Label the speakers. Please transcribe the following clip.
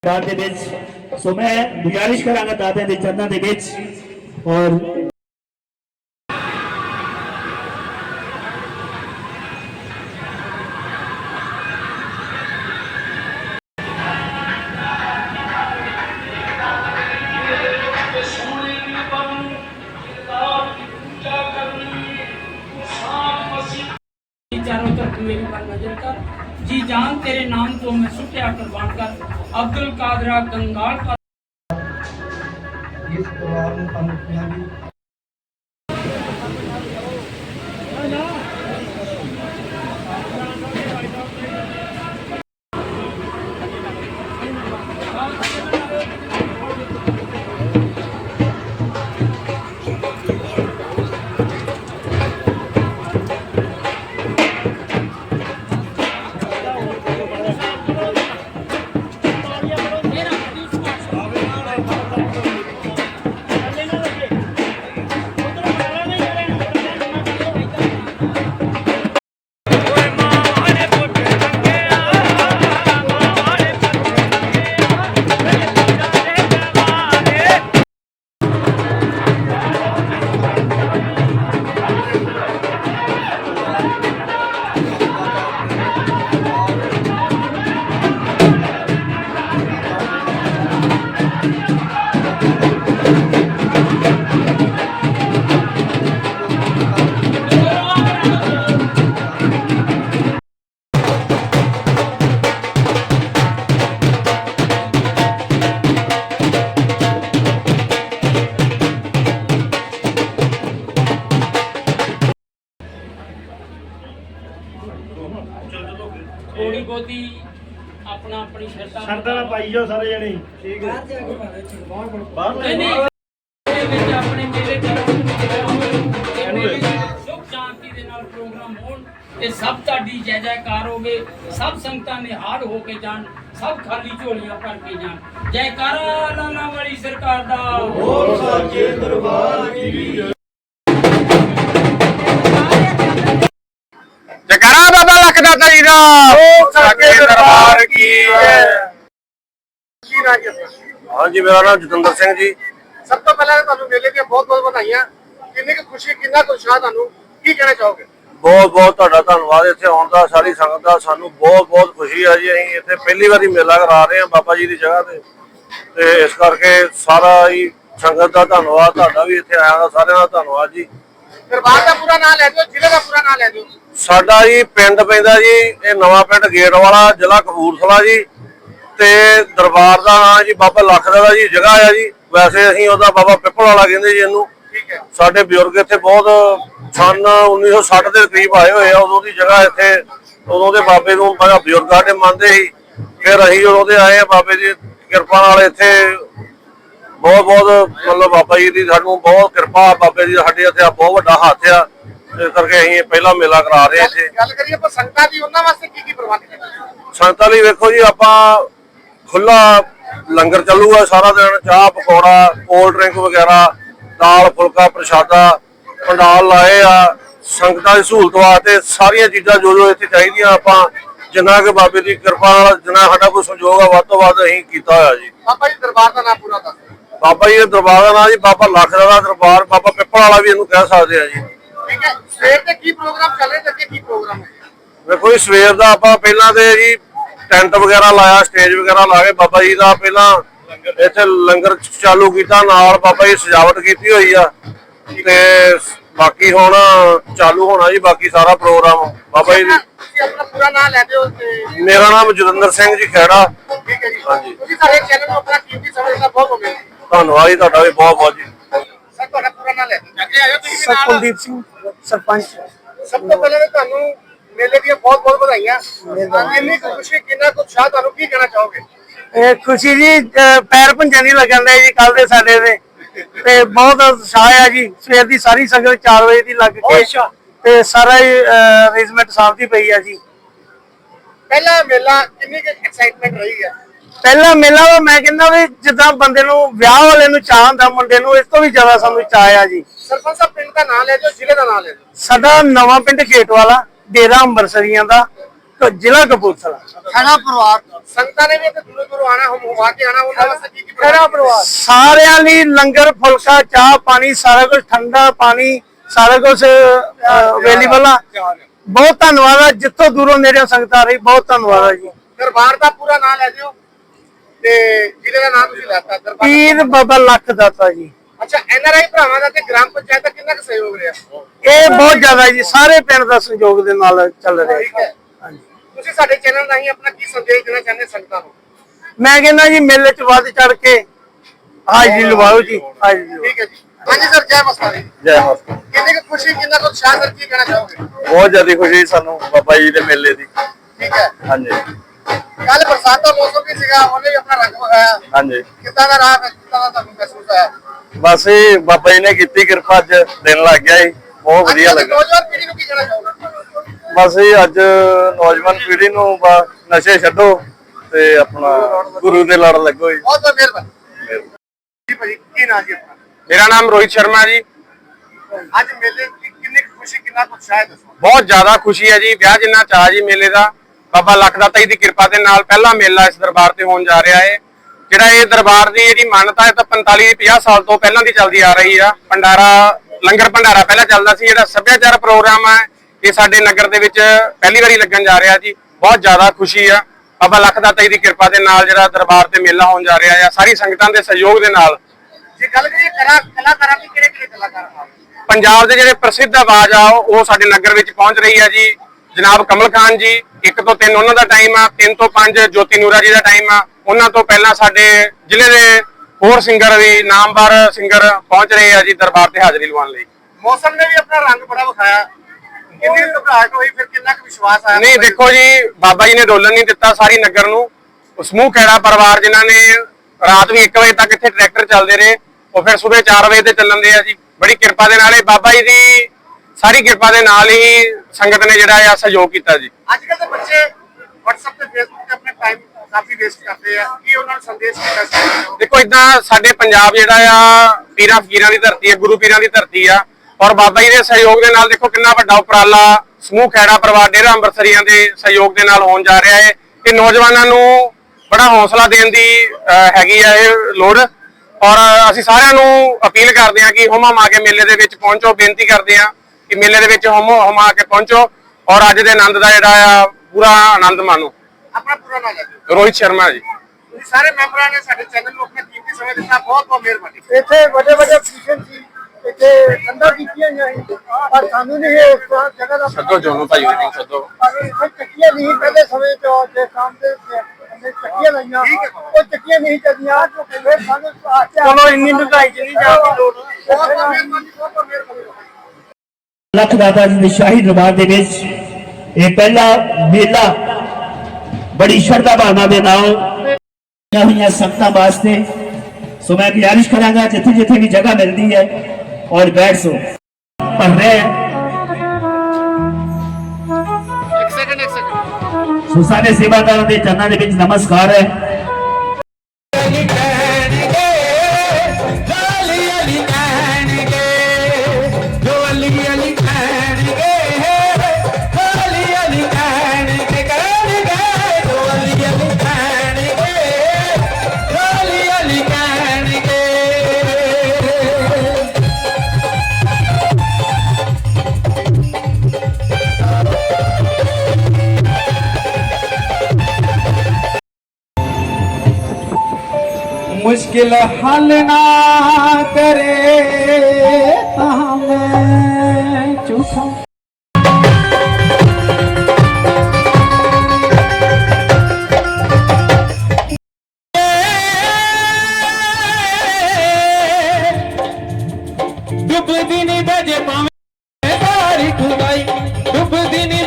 Speaker 1: ਦੇ ਵਿੱਚ ਸੋ ਮੈਂ ਗੁਜ਼ਾਰਿਸ਼ ਕਰਾਂਗਾ ਦਾਦਿਆਂ ਦੇ ਚਰਨਾਂ ਦੇ ਵਿੱਚ ਔਰ
Speaker 2: चारों तरफ मेरी पर नजर कर जी जान तेरे नाम को मैं सुटिया कुर्बान कर अब्दुल कादरा गंगाल का
Speaker 3: इस परिवार में पनपियां भी
Speaker 2: थोड़ी बहुती अपना अपनी
Speaker 1: ਸ਼ਰਤਾਂ ਨਾਲ ਪਾਈ ਜਾਓ ਸਾਰੇ ਜਣੇ ਠੀਕ ਹੈ ਬਾਹਰ
Speaker 2: नहीं अपने मेले सुख शांति दे नाल प्रोग्राम होण ते सब ताड़ी जय जयकार होवे सब संगतां निहाल हो के जान सब खाली झोलियां भर के जान जयकारा लाला वाली सरकार दा
Speaker 1: बोल सच्चे दरबार की
Speaker 4: जयकारा बाबा लखदाता जी दा सच्चे दरबार की हाँ जी मेरा नाम जतिंदर सिंह जी
Speaker 3: सब तो पहले ਤੁਹਾਨੂੰ ਮੇਲੇ ਦੀਆਂ ਬਹੁਤ ਬਹੁਤ ਵਧਾਈਆਂ ਕਿੰਨੀ ਕੁ ਖੁਸ਼ੀ ਕਿੰਨਾ ਕੁ ਉਤਸ਼ਾਹ ਤੁਹਾਨੂੰ ਕੀ ਕਹਿਣਾ ਚਾਹੋਗੇ
Speaker 4: ਬਹੁਤ ਬਹੁਤ ਤੁਹਾਡਾ ਧੰਨਵਾਦ ਇੱਥੇ ਆਉਣ ਦਾ ਸਾਰੀ ਸੰਗਤ ਦਾ ਸਾਨੂੰ ਬਹੁਤ ਬਹੁਤ ਖੁਸ਼ੀ ਹੈ ਜੀ ਅਸੀਂ ਇੱਥੇ ਪਹਿਲੀ ਵਾਰੀ ਮੇਲਾ ਕਰਾ ਰਹੇ ਹਾਂ ਬਾਬਾ ਜੀ ਦੀ ਜਗ੍ਹਾ ਤੇ ਇਸ ਕਰਕੇ ਸਾਰਾ ਹੀ ਸੰਗਤ ਦਾ ਧੰਨਵਾਦ ਤੁਹਾਡਾ ਵੀ ਇੱਥੇ ਆਇਆ ਦਾ ਸਾਰਿਆਂ ਦਾ ਧੰਨਵਾਦ ਜੀ
Speaker 3: ਦਰਬਾਰ ਦਾ ਪੂਰਾ ਨਾਮ ਲੈ ਦਿਓ ਜ਼ਿਲ੍ਹੇ ਦਾ ਪੂਰਾ ਨਾਮ ਲੈ ਦਿਓ
Speaker 4: ਸਾਡਾ ਜੀ ਪਿੰਡ ਪੈਂਦਾ ਜੀ ਇਹ ਨਵਾਂ ਪਿੰਡ ਗੇਟ ਵਾਲਾ ਜ਼ਿਲ੍ਹਾ ਕਪੂਰਥਲਾ ਜੀ ਤੇ ਦਰਬਾਰ ਦਾ ਨਾਮ ਜੀ ਬਾਬਾ ਲਖਦਾਤਾ ਜੀ ਜਗ੍ਹਾ ਆ ਜੀ ਵੈਸੇ ਅਸੀਂ ਉਹਦਾ ਬਾਬਾ ਪਿੱਪਲ ਵਾਲਾ ਕਹਿੰਦੇ ਜੀ ਇਹਨੂੰ
Speaker 3: ਠੀਕ ਹੈ
Speaker 4: ਸਾਡੇ ਬਜ਼ੁਰਗ ਇੱਥੇ ਬਹੁਤ ਸਨ 1960 ਦੇ ਕਰੀਬ ਆਏ ਹੋਏ ਆ ਉਦੋਂ ਦੀ ਜਗ੍ਹਾ ਇੱਥੇ ਉਦੋਂ ਦੇ ਬਾਬੇ ਨੂੰ ਬੜਾ ਬਜ਼ੁਰਗ ਸਾਡੇ ਮੰਨਦੇ ਸੀ ਫਿਰ ਅਸੀਂ ਉਦੋਂ ਦੇ ਆਏ ਆ ਬਾਬੇ ਦੀ ਕਿਰਪਾ ਨਾਲ ਇੱਥੇ ਬਹੁਤ ਬਹੁਤ ਮਤਲਬ ਬਾਬਾ ਜੀ ਦੀ ਸਾਨੂੰ ਬਹੁਤ ਕਿਰਪਾ ਬਾਬੇ ਦੀ ਸਾਡੇ ਇੱਥੇ ਬਹੁਤ ਵੱਡਾ ਹੱਥ ਆ ਇਸ ਕਰਕੇ ਅਸੀਂ ਪਹਿਲਾ ਮੇਲਾ ਕਰਾ ਰਹੇ ਇੱਥੇ
Speaker 3: ਗੱਲ ਕਰੀਏ ਆਪਾਂ ਸੰਗਤਾਂ ਦੀ ਉਹਨਾਂ ਵਾਸਤੇ ਕੀ ਕੀ ਪ੍ਰਬੰਧ ਕੀਤੇ
Speaker 4: ਸੰਗਤਾਂ ਲਈ ਵੇਖੋ ਜੀ ਆਪਾਂ ਖੁੱਲਾ ਲੰਗਰ ਚੱਲੂਗਾ ਸਾਰਾ ਦਿਨ ਚਾਹ ਪਕੌੜਾ ਕੋਲਡ ਡਰਿੰਕ ਵਗੈਰਾ ਦਾਲ ਫੁਲਕਾ ਪ੍ਰਸ਼ਾਦਾ ਪੰਡਾਲ ਲਾਏ ਆ ਸੰਗਤਾਂ ਦੀ ਸਹੂਲਤ ਵਾਸਤੇ ਸਾਰੀਆਂ ਚੀਜ਼ਾਂ ਜੋ ਜੋ ਇੱਥੇ ਚਾਹੀਦੀਆਂ ਆਪਾਂ ਜਿੰਨਾ ਕਿ ਬਾਬੇ ਦੀ ਕਿਰਪਾ ਨਾਲ ਜਿੰਨਾ ਸਾਡਾ ਕੋਈ ਸੰਯੋਗ ਆ ਵੱਧ ਤੋਂ ਵੱਧ ਅਸੀਂ ਕੀਤਾ ਹੋਇਆ ਜੀ
Speaker 3: ਬਾਬਾ ਜੀ ਦਰਬਾਰ ਦਾ ਨਾਮ ਪੂਰਾ ਦੱਸ
Speaker 4: ਬਾਬਾ ਜੀ ਦੇ ਦਰਬਾਰ ਦਾ ਨਾਮ ਜੀ ਬਾਬਾ ਲਖਦਾਤਾ ਦਰਬਾਰ ਬਾਬਾ ਪਿੱਪਲ ਵਾਲਾ ਵੀ ਇਹਨੂੰ ਕਹਿ ਸਕਦੇ ਆ ਜੀ
Speaker 3: ਠੀਕ ਹੈ ਸਵੇਰ ਤੇ ਕੀ ਪ੍ਰੋਗਰਾਮ ਚੱਲ ਰਿਹਾ ਤੇ ਕੀ ਪ੍ਰੋਗਰਾਮ ਹੈ
Speaker 4: ਵੇਖੋ ਜੀ ਸਵੇਰ ਦਾ ਆਪਾਂ ਪਹਿਲਾਂ ਤੇ ਜੀ ਟੈਂਟ ਵਗੈਰਾ ਲਾਇਆ ਸਟੇਜ ਵਗੈਰਾ ਲਾ ਕੇ ਬਾਬਾ ਜੀ ਦਾ ਪਹਿਲਾਂ ਇੱਥੇ ਲੰਗਰ ਚਾਲੂ ਕੀਤਾ ਨਾਲ ਬਾਬਾ ਜੀ ਸਜਾਵਟ ਕੀਤੀ ਹੋਈ ਆ ਤੇ ਬਾਕੀ ਹੁਣ ਚਾਲੂ ਹੋਣਾ ਜੀ ਬਾਕੀ ਸਾਰਾ ਪ੍ਰੋਗਰਾਮ ਬਾਬਾ ਜੀ
Speaker 3: ਤੁਸੀਂ ਆਪਣਾ ਪੂਰਾ ਨਾਮ ਲੈ ਦਿਓ ਤੇ
Speaker 4: ਮੇਰਾ ਨਾਮ ਜਤਿੰਦਰ ਸਿੰਘ ਜੀ ਖੈੜਾ
Speaker 3: ਠੀਕ ਹੈ ਜੀ
Speaker 4: ਹਾਂਜੀ।
Speaker 3: ਤੁਸੀਂ ਸਾਡੇ ਚੈਨਲ ਨੂੰ ਆਪਣਾ ਕੀਮਤੀ ਸਮੇਂ ਦਾ ਬਹੁਤ ਹੋ ਗਿਆ
Speaker 4: ਧੰਨਵਾਦ ਜੀ ਤੁਹਾਡਾ ਵੀ ਬਹੁਤ ਬਹੁਤ ਜੀ
Speaker 3: ਸਰ ਤੁਹਾਡਾ ਪੂਰਾ ਨਾਮ ਲੈ ਦਿਓ ਅੱਗੇ ਆਇਓ ਤੁਸੀਂ
Speaker 5: ਸਰ ਕੁਲਦੀਪ ਸਿੰਘ ਸਰਪੰਚ
Speaker 3: ਸਭ ਤੋਂ ਪਹਿਲਾਂ ਤਾਂ ਤੁਹਾਨੂੰ ਮੇਲੇ ਦੀਆਂ ਬਹੁਤ ਬਹੁਤ ਵਧਾਈਆਂ ਕਿੰਨੀ ਕੁ ਖੁਸ਼ੀ ਕਿੰਨਾ ਕੁ ਉਤਸ਼ਾਹ ਤੁਹਾਨੂੰ ਕੀ ਕਹਿਣਾ ਚਾਹੋਗੇ
Speaker 5: ਇਹ ਖੁਸ਼ੀ ਜੀ ਪੈਰ ਭੰਜਨ ਨਹੀਂ ਲੱਗਣ ਦੇ ਜੀ ਕੱਲ ਦੇ ਸਾਡੇ ਤੇ ਬਹੁਤ ਉਤਸ਼ਾਹ ਆ ਜੀ ਸਵੇਰ ਦੀ ਸਾਰੀ ਸੰਗਤ 4 ਵਜੇ ਦੀ ਲੱਗ ਕੇ ਤੇ ਸਾਰਾ ਅਰੇਂਜਮੈਂਟ ਸਾਹਿਬ ਦੀ ਪਈ ਆ ਜੀ
Speaker 3: ਪਹਿਲਾ ਮੇਲਾ ਕਿੰਨੀ ਕੁ ਐਕਸਾਈਟਮੈਂਟ ਰਹੀ ਹੈ
Speaker 5: ਪਹਿਲਾ ਮੇਲਾ ਵਾ ਮੈਂ ਕਹਿੰਦਾ ਵੀ ਜਿੱਦਾਂ ਬੰਦੇ ਨੂੰ ਵਿਆਹ ਵਾਲੇ ਨੂੰ ਚਾਹ ਹੁੰਦਾ ਮੁੰਡੇ ਨੂੰ ਇਸ ਤੋਂ ਵੀ ਜ਼ਿਆਦਾ ਸਾਨੂੰ ਚਾਹ ਆ ਜੀ
Speaker 3: ਸਰਪੰਚ ਸਾਹਿਬ ਪਿੰਡ ਦਾ ਨਾਮ ਲੈ ਦਿਓ ਜ਼ਿਲ੍ਹੇ ਦਾ ਨਾਮ ਲੈ ਦਿਓ
Speaker 5: ਸਾਡਾ ਨਵਾਂ ਪਿੰਡ ਖੇਟ ਵਾਲਾ ਡੇਰਾ ਅੰਬਰਸਰੀਆਂ ਦਾ ਜ਼ਿਲ੍ਹਾ ਕਪੂਰਥਲਾ।
Speaker 3: ਖੈਰਾ ਪਰਿਵਾਰ ਸੰਗਤਾਂ ਨੇ ਵੀ ਇੱਥੇ ਦੂਰੋਂ ਦੂਰੋਂ ਆਣਾ ਹੁਮਾ ਕੇ ਆਣਾ ਉਹਨਾਂ ਵਾਸਤੇ ਕੀ
Speaker 5: ਖੈਰਾ ਪਰਿਵਾਰ ਸਾਰਿਆਂ ਲਈ ਲੰਗਰ ਫੁਲਕਾ ਚਾਹ ਪਾਣੀ ਸਾਰਾ ਕੁਝ ਠੰਡਾ ਪਾਣੀ ਸਾਰਾ ਕੁਝ ਅਵੇਲੇਬਲ ਆ। ਬਹੁਤ ਧੰਨਵਾਦ ਆ ਜਿੱਥੋਂ ਦੂਰੋਂ ਨੇੜਿਓਂ ਸੰਗਤਾਂ ਆ ਰਹੀ ਬਹੁਤ ਧੰਨਵਾਦ ਆ ਜੀ।
Speaker 3: ਦਰਬਾਰ ਦਾ ਪੂਰਾ ਨਾਮ ਲੈ ਦਿਓ ਤੇ ਜ਼ਿਲ੍ਹੇ ਦਾ ਨਾਮ ਤੁਸੀਂ ਲੈਤਾ ਦਰਬਾਰ।
Speaker 5: ਪੀਰ ਬਾਬਾ ਲੱਖ ਦਾਤਾ ਜੀ।
Speaker 3: ਅੱਛਾ ਐਨਆਰਆਈ ਭਰਾਵਾਂ ਦਾ ਤੇ ਗ੍ਰਾਮ ਪੰਚਾਇਤ ਦਾ ਕਿੰਨਾ ਕੁ ਸਹਿਯੋਗ ਰਿਹਾ?
Speaker 5: ਇਹ ਬਹੁਤ ਜ਼ਿਆਦਾ ਜੀ ਸਾਰੇ ਪਿੰਡ ਦਾ ਸਹਿਯੋਗ ਦੇ ਨਾਲ ਚੱਲ ਰਿਹਾ
Speaker 3: ਠੀਕ ਹੈ।
Speaker 5: ਹਾਂਜੀ।
Speaker 3: ਤੁਸੀਂ ਸਾਡੇ ਚੈਨਲ ਰਾਹੀਂ ਆਪਣਾ ਕੀ ਸੰਦੇਸ਼ ਦੇਣਾ ਚਾਹੁੰਦੇ ਸੰਗਤਾਂ ਨੂੰ?
Speaker 5: ਮੈਂ ਕਹਿੰਦਾ ਜੀ ਮੇਲੇ 'ਚ ਵੱਧ ਚੜ ਕੇ ਹਾਜ਼ਰੀ ਲਵਾਓ ਜੀ ਹਾਜ਼ਰੀ ਲਵਾਓ।
Speaker 3: ਠੀਕ ਹੈ ਜੀ। ਹਾਂਜੀ ਸਰ ਜੈ ਮਸਤਾ ਜੀ।
Speaker 4: ਜੈ ਮਾਤਾ।
Speaker 3: ਕਿੰਨੀ ਕੁ ਖੁਸ਼ੀ ਕਿੰਨਾ ਕੁ ਉਤਸ਼ਾਹ ਸਰ ਕੀ ਕਹਿਣਾ ਚਾਹੋਗੇ?
Speaker 4: ਬਹੁਤ ਜ਼ਿਆਦਾ ਖੁਸ਼ੀ ਸਾਨੂੰ ਬਾਬਾ ਜੀ ਦੇ ਮੇਲੇ ਦੀ।
Speaker 3: ਠੀਕ ਹੈ।
Speaker 4: ਹਾਂਜੀ
Speaker 3: ਕੱਲ ਬਰਸਾਤ ਦਾ ਮੌਸਮ ਵੀ ਸੀਗਾ ਉਹਨੇ ਵੀ ਆਪਣਾ ਰੰਗ ਵਿਖਾਇਆ।
Speaker 4: ਹਾਂਜੀ
Speaker 3: ਕਿੱਦਾਂ ਦਾ ਰਾਹ ਕਿੱਦਾਂ ਦਾ ਤੁਹਾਨੂੰ ਮਹਿਸੂਸ ਹੋਇਆ?
Speaker 4: ਬਸ ਇਹ ਬਾਬਾ ਜੀ ਨੇ ਕੀਤੀ ਕਿਰਪਾ, ਅੱਜ ਦਿਨ ਲੱਗ ਗਿਆ ਜੀ, ਬਹੁਤ ਵਧੀਆ
Speaker 3: ਅੱਜ
Speaker 4: ਲੱਗਾ।
Speaker 3: ਨੌਜਵਾਨ ਪੀੜ੍ਹੀ ਨੂੰ ਕੀ ਕਹਿਣਾ ਚਾਹੋਗੇ?
Speaker 4: ਬਸ ਇਹ ਅੱਜ ਨੌਜਵਾਨ ਪੀੜ੍ਹੀ ਨੂੰ ਨਸ਼ੇ ਛੱਡੋ ਤੇ ਆਪਣਾ ਗੁਰੂ ਦੇ ਲੜ ਲੱਗੋ ਜੀ।
Speaker 3: ਬਹੁਤ ਬਹੁਤ ਮਿਹਰਬਾਨੀ ਜੀ ਭਾਜੀ। ਕੀ ਨਾਮ ਜੀ ਆਪਣਾ?
Speaker 6: ਮੇਰਾ ਨਾਮ ਰੋਹਿਤ ਸ਼ਰਮਾ ਜੀ।
Speaker 3: ਅੱਜ ਮੇਲੇ ਦੀ ਕਿੰਨੀ ਕੁ ਖੁਸ਼ੀ ਕਿੰਨਾ ਕੁ ਉਤਸ਼ਾਹ ਹੈ ਦੱਸੋ?
Speaker 6: ਬਹੁਤ ਜ਼ਿਆਦਾ ਖੁਸ਼ੀ ਹੈ ਜੀ, ਵਿਆਹ ਜਿੰਨਾ ਚਾਅ ਜੀ ਮੇਲੇ ਦਾ। ਬਾਬਾ ਲੱਖ ਦਾਤਾ ਜੀ ਦੀ ਕਿਰਪਾ ਦੇ ਨਾਲ ਪਹਿਲਾ ਮੇਲਾ ਇਸ ਦਰਬਾਰ ਤੇ ਹੋਣ ਜਾ ਰਿਹਾ ਹੈ। ਜਿਹੜਾ ਇਹ ਦਰਬਾਰ ਦੀ ਜਿਹੜੀ ਮਾਨਤਾ ਹੈ ਤਾਂ 45-50 ਸਾਲ ਤੋਂ ਪਹਿਲਾਂ ਦੀ ਚੱਲਦੀ ਆ ਰਹੀ ਆ। ਭੰਡਾਰਾ ਲੰਗਰ ਭੰਡਾਰਾ ਪਹਿਲਾਂ ਚੱਲਦਾ ਸੀ। ਜਿਹੜਾ ਸੱਭਿਆਚਾਰ ਪ੍ਰੋਗਰਾਮ ਹੈ ਇਹ ਸਾਡੇ ਨਗਰ ਦੇ ਵਿੱਚ ਪਹਿਲੀ ਵਾਰੀ ਲੱਗਣ ਜਾ ਰਿਹਾ ਜੀ। ਬਹੁਤ ਜ਼ਿਆਦਾ ਖੁਸ਼ੀ ਆ ਬਾਬਾ ਲੱਖ ਦਾਤਾ ਜੀ ਦੀ ਕਿਰਪਾ ਦੇ ਨਾਲ ਜਿਹੜਾ ਦਰਬਾਰ ਤੇ ਮੇਲਾ ਹੋਣ ਜਾ ਰਿਹਾ ਹੈ ਸਾਰੀ ਸੰਗਤਾਂ ਦੇ ਸਹਿਯੋਗ ਦੇ ਨਾਲ।
Speaker 3: ਜੇ ਗੱਲ ਕਰੀਏ ਕਲਾਕਾਰਾਂ ਦੀ ਕਿਹੜੇ ਕਲਾਕਾਰ ਆ?
Speaker 6: ਪੰਜਾਬ ਦੇ ਜਿਹੜੇ ਪ੍ਰਸਿੱਧ ਆਵਾਜ਼ ਆ ਉਹ ਸਾਡੇ ਨਗਰ ਵਿੱਚ ਪਹੁੰਚ ਰਹੀ ਆ ਜੀ। ਜਨਾਬ ਕਮਲ ਖਾਨ ਜੀ 1 ਤੋਂ 3 ਉਹਨਾਂ ਦਾ ਟਾਈਮ ਆ, 3 ਤੋਂ 5 ਜੋਤੀ ਨੂਰਾ ਜੀ ਦਾ ਟਾਈਮ ਆ। ਉਹਨਾਂ ਤੋਂ ਪਹਿਲਾਂ ਸਾਡੇ ਜ਼ਿਲ੍ਹੇ ਦੇ ਹੋਰ ਸਿੰਗਰ ਵੀ ਨਾਮਵਰ ਸਿੰਗਰ ਪਹੁੰਚ ਰਹੇ ਆ ਜੀ ਦਰਬਾਰ ਤੇ ਹਾਜ਼ਰੀ ਲਵਾਉਣ ਲਈ।
Speaker 3: ਮੌਸਮ ਨੇ ਵੀ ਆਪਣਾ ਰੰਗ ਬੜਾ ਵਿਖਾਇਆ। ਕਿੰਨੀ ਘਬਰਾਹਟ ਹੋਈ ਫਿਰ ਕਿੰਨਾ ਕੁ ਵਿਸ਼ਵਾਸ ਆਇਆ?
Speaker 6: ਨਹੀਂ ਦੇਖੋ ਜੀ ਬਾਬਾ ਜੀ ਨੇ ਡੋਲਣ ਨਹੀਂ ਦਿੱਤਾ ਸਾਰੀ ਨਗਰ ਨੂੰ। ਸਮੂਹ ਖੈੜਾ ਪਰਿਵਾਰ ਜਿਨ੍ਹਾਂ ਨੇ ਰਾਤ ਵੀ 1 ਵਜੇ ਤੱਕ ਇੱਥੇ ਟਰੈਕਟਰ ਚੱਲਦੇ ਰਹੇ ਉਹ ਫਿਰ ਸਵੇਰੇ 4 ਵਜੇ ਤੇ ਚੱਲਣ ਦੇ ਆ ਜੀ। ਬੜੀ ਕਿਰਪਾ ਦੇ ਨਾਲ ਇਹ ਬਾਬਾ ਜੀ ਦੀ ਸਾਰੀ ਕਿਰਪਾ ਦੇ ਨਾਲ ਹੀ ਸੰਗਤ ਨੇ ਜਿਹੜਾ ਆ ਸਹਿਯੋਗ ਕੀਤਾ ਜੀ।
Speaker 3: ਅੱਜ ਕੱਲ ਦੇ ਬੱਚੇ WhatsApp ਤੇ Facebook ਤੇ ਆਪਣਾ ਟਾਈਮ ਕਾਫੀ ਵੇਸਟ ਕਰਦੇ ਆ। ਕੀ ਉਹਨਾਂ ਨੂੰ ਸੰਦੇਸ਼ ਦੇਣਾ ਚਾਹੁੰਦੇ ਹੋ?
Speaker 6: ਦੇਖੋ ਇਦਾਂ ਸਾਡੇ ਪੰਜਾਬ ਜਿਹੜਾ ਆ ਪੀਰਾਂ ਫਕੀਰਾਂ ਦੀ ਧਰਤੀ ਹੈ, ਗੁਰੂ ਪੀਰਾਂ ਦੀ ਧਰਤੀ ਆ। ਔਰ ਬਾਬਾ ਜੀ ਦੇ ਸਹਿਯੋਗ ਦੇ ਨਾਲ ਦੇਖੋ ਕਿੰਨਾ ਵੱਡਾ ਉਪਰਾਲਾ ਸਮੂਹ ਖੈੜਾ ਪਰਿਵਾਰ ਡੇਰਾ ਅੰਮ੍ਰਿਤਸਰੀਆਂ ਦੇ ਸਹਿਯੋਗ ਦੇ ਨਾਲ ਹੋਣ ਜਾ ਰਿਹਾ ਹੈ। ਇਹ ਨੌਜਵਾਨਾਂ ਨੂੰ ਬੜਾ ਹੌਸਲਾ ਦੇਣ ਦੀ ਹੈਗੀ ਆ ਇਹ ਲੋੜ। ਔਰ ਅਸੀਂ ਸਾਰਿਆਂ ਨੂੰ ਅਪੀਲ ਕਰਦੇ ਹਾਂ ਕਿ ਹੁਮਾ ਮਾ ਕੇ ਮੇਲੇ ਦੇ ਵਿੱਚ ਪਹੁੰਚੋ। ਬੇਨਤੀ ਕਰਦੇ ਹਾਂ ਕਿ ਮੇਲੇ ਦੇ ਵਿੱਚ ਹੁਮਾ ਕੇ ਪਹੁੰਚੋ ਔਰ ਅੱਜ ਦੇ ਆਨੰਦ ਦਾ ਜਿਹੜਾ ਆ ਪੂਰਾ ਆਨੰਦ ਮਾਣੋ।
Speaker 3: ਆਪਣਾ ਪੂਰਾ ਨਾਮ ਲੈ ਦਿਓ।
Speaker 6: ਰੋਹਿਤ ਸ਼ਰਮਾ ਜੀ।
Speaker 3: ਤੁਸੀਂ ਸਾਰੇ ਮੈਂਬਰਾਂ ਨੇ ਸਾਡੇ ਚੈਨਲ ਨੂੰ ਆਪਣਾ ਕੀਮਤੀ ਸਮਾਂ ਦਿੱਤਾ। ਬਹੁਤ ਬਹੁਤ ਮਿਹਰਬਾਨੀ।
Speaker 5: ਇੱਥੇ ਵੱਡੇ ਵੱਡੇ ਫੰਕਸ਼ਨ ਸੀ ਇੱਥੇ ਠੰਡਾ ਕੀਤੀਆਂ ਗਈਆਂ ਪਰ ਸਾਨੂੰ ਨਹੀਂ ਇਹ ਜਗ੍ਹਾ ਦਾ
Speaker 6: ਸੱਦੋ ਜੋਨੂ ਭਾਈ ਨੂੰ ਸੱਦੋ।
Speaker 5: ਇੱਥੇ ਚੱਕੀਆਂ ਨਹੀਂ ਪਹਿਲੇ ਸਮੇਂ ਚ ਜੇ ਸਾਹਮਣੇ ਚੱਕੀਆਂ ਲਾਈਆਂ ਉਹ ਚੱਕੀਆਂ ਨਹੀਂ ਚੱਲੀਆਂ ਫਿਰ ਸਾਨੂੰ ਚਲੋ ਇੰਨੀ ਮਹਿੰਗਾਈ ਚ ਨਹੀਂ ਜਾਣ ਦੀ ਲੋੜ।
Speaker 3: ਬਹੁਤ ਬਹੁਤ ਮਿਹਰਬਾਨੀ। ਬਹੁਤ ਬਹੁਤ ਮਿਹਰਬਾਨੀ।
Speaker 1: ਲੱਖ ਦਾਤਾ ਜੀ ਦੇ ਸ਼ਾਹੀ ਦਰਬਾਰ ਦੇ ਵਿੱਚ ਇਹ ਪਹਿਲਾ ਮੇਲਾ ਬੜੀ ਸ਼ਰਧਾ ਭਾਵਨਾ ਦੇ ਨਾਲ ਹੋਈਆਂ ਸੰਗਤਾਂ ਵਾਸਤੇ। ਸੋ ਮੈਂ ਗੁਜ਼ਾਰਿਸ਼ ਕਰਾਂਗਾ ਜਿੱਥੇ ਜਿੱਥੇ ਵੀ ਜਗ੍ਹਾ ਮਿਲਦੀ ਹੈ ਔਰ ਬੈਠ ਸੋ ਪੜ੍ਹ ਰਹੇ
Speaker 3: ਇੱਕ ਸੈਕਿੰਡ
Speaker 1: ਸੋ ਸਾਰੇ ਸੇਵਾਦਾਰਾਂ ਦੇ ਚਰਨਾਂ ਦੇ ਵਿੱਚ ਨਮਸਕਾਰ ਹੈ।
Speaker 7: मुश्किल हल ना करे ता मैं चुप। डुबदी नी बजे पावे सारी खुदाई डुबदी नी